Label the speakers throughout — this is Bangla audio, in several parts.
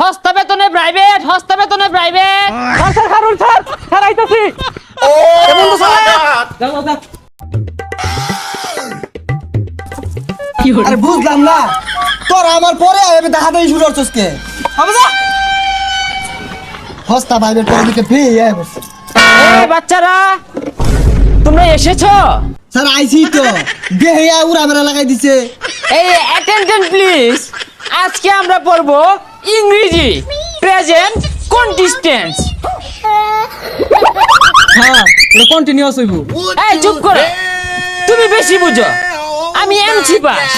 Speaker 1: সস্তা বেতনে প্রাইভেট, সস্তা বেতনে private.
Speaker 2: Sir sir Harun sir sir আইতাছি।
Speaker 3: আরে বুঝলাম না তোর আমার পরে আমি দেখা দেই শুরু করছস কে
Speaker 2: হবে যা।
Speaker 3: হস্তা ভাইবের পরে দিকে ফ্রি বসে
Speaker 1: এই বাচ্চারা তোমরা এসেছো?
Speaker 3: স্যার আইছি তো দেহিয়া উড়া মেরা লাগাই দিছে।
Speaker 1: এই অ্যাটেনশন প্লিজ, আজকে আমরা পড়বো ইংরেজি প্রেজেন্ট কন্টিস্টেন্স।
Speaker 2: হ্যাঁ এটা কন্টিনিউয়াস হইব।
Speaker 1: এই চুপ করো, তুমি বেশি বুঝো, আমি এমসি পাস।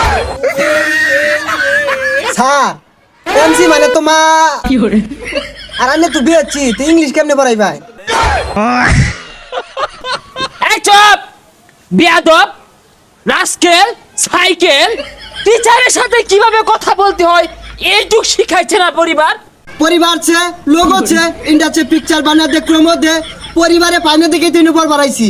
Speaker 3: স্যার এমসি মানে তো মা
Speaker 2: কি করে?
Speaker 3: আর আমি তো বিয়েছি তো ইংলিশ কেমনে পড়াই ভাই?
Speaker 1: এই চুপ, বিয়াদব, রাস্কেল, সাইকেল, টিচারের সাথে কিভাবে কথা বলতে হয় এইটুক শিখাইছে না পরিবার?
Speaker 3: পরিবার ছে লোক আছে ইন্ডাছে পিকচার বানা দে ক্রমো দে পরিবারে পাইনে দেখে তিন উপর বাড়াইছি।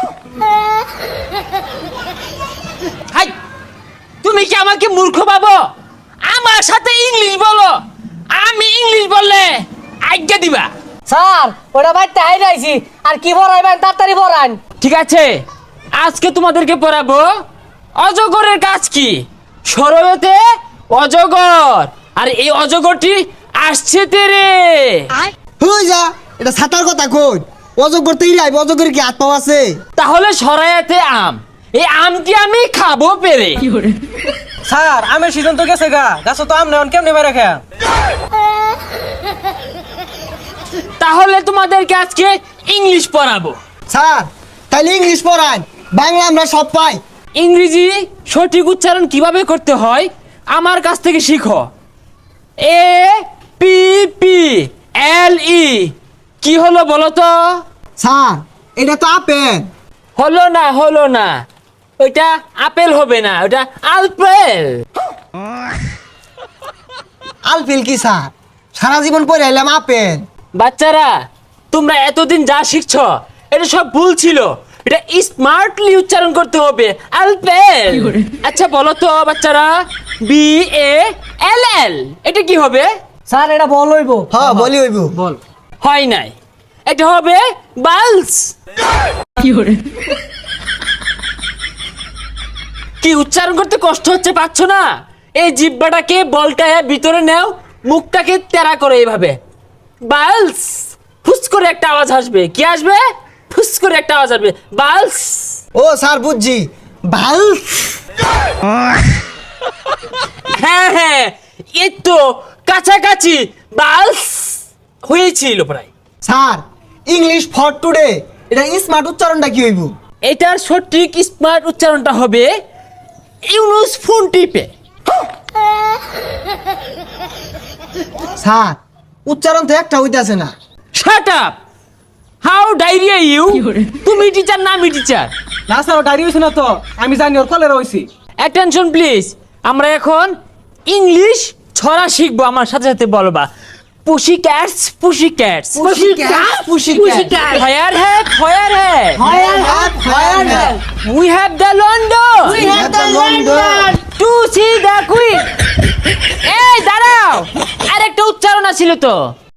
Speaker 1: হাই, তুমি কি আমাকে মূর্খ ভাবো? আমার সাথে ইংলিশ বলো, আমি ইংলিশ বললে আজ্ঞা দিবা?
Speaker 2: স্যার ওটা ভাই তাই নাইছি আর কি পড়াইবেন তাড়াতাড়ি পড়ান।
Speaker 1: ঠিক আছে, আজকে তোমাদেরকে পড়াবো অজগরের কাজ কি। সরবেতে অজগর, আর এই অজগরটি আসছে তেরে।
Speaker 3: হই যা এটা ছাতার কথা কই অজগর তো ইরাই অজগরের কি হাত পাও আছে?
Speaker 1: তাহলে সরাইতে আম, এই আমটি আমি খাবো পেরে।
Speaker 2: স্যার আমের সিজন তো গেছে গা, গাছ তো আম নেন কেমনে মেরে খেয়া।
Speaker 1: তাহলে তোমাদেরকে আজকে ইংলিশ পড়াবো।
Speaker 3: স্যার তাইলে ইংলিশ পড়ান, বাংলা আমরা সব পাই।
Speaker 1: ইংরেজি সঠিক উচ্চারণ কিভাবে করতে হয় আমার কাছ থেকে শিখো। এ পি পি এল ই কি হলো বলো তো?
Speaker 3: স্যার এটা তো আপেল।
Speaker 1: হলো না, ওইটা আপেল হবে না, ওটা আলপেল।
Speaker 3: আলফিল কি স্যার? সারা জীবন পড়ে এলাম আপেল।
Speaker 1: বাচ্চারা তোমরা এতদিন যা শিখছো এটা সব ভুল ছিল, এটা স্মার্টলি উচ্চারণ করতে হবে, আলপেল। আচ্ছা বলো তো বাচ্চারা, বি এ এল এল এটা কি হবে?
Speaker 2: স্যার এটা বল হইব।
Speaker 3: হ্যাঁ বলি হইব।
Speaker 2: বল।
Speaker 1: হয় নাই, এটা হবে বালস। কি উচ্চারণ করতে কষ্ট হচ্ছে, পাচ্ছ না? এই জিহ্বাটাকে বলটায় ভিতরে নাও, মুখটাকে তেরা করে এইভাবে বালস। ফুস করে একটা আওয়াজ আসবে, কি আসবে? ফুস করে একটা আওয়াজ আসবে, বালস।
Speaker 3: ও স্যার বুঝছি ভাল।
Speaker 1: হ্যাঁ এই তো কাছাকাছি, বালস হয়েছিল প্রায়।
Speaker 3: স্যার ইংলিশ ফর টুডে এটা স্মার্ট উচ্চারণটা কি হইব?
Speaker 1: এটার সঠিক স্মার্ট উচ্চারণটা হবে ইউনুস ফোন টিপে।
Speaker 3: স্যার উচ্চারণ তো একটা হইতাছে না।
Speaker 1: Shut up, how diarrhoea you? তুমি টিচার না আমি টিচার?
Speaker 2: না স্যার ও ডায়রি হইছে না তো, আমি জানি ওর কলেরা হইছি।
Speaker 1: অ্যাটেনশন প্লিজ, আমরা এখন ইংলিশ ছড়া শিখবো, আমার সাথে সাথে বলবা। Pussy cats, pussy cats,
Speaker 3: Pussycat.
Speaker 1: Fire hat, fire hat,
Speaker 3: Firehead.
Speaker 1: We have the London,
Speaker 3: We have the London.
Speaker 1: To see the queen. এই দাঁড়াও, আরেকটা উচ্চারণ আছিল তো।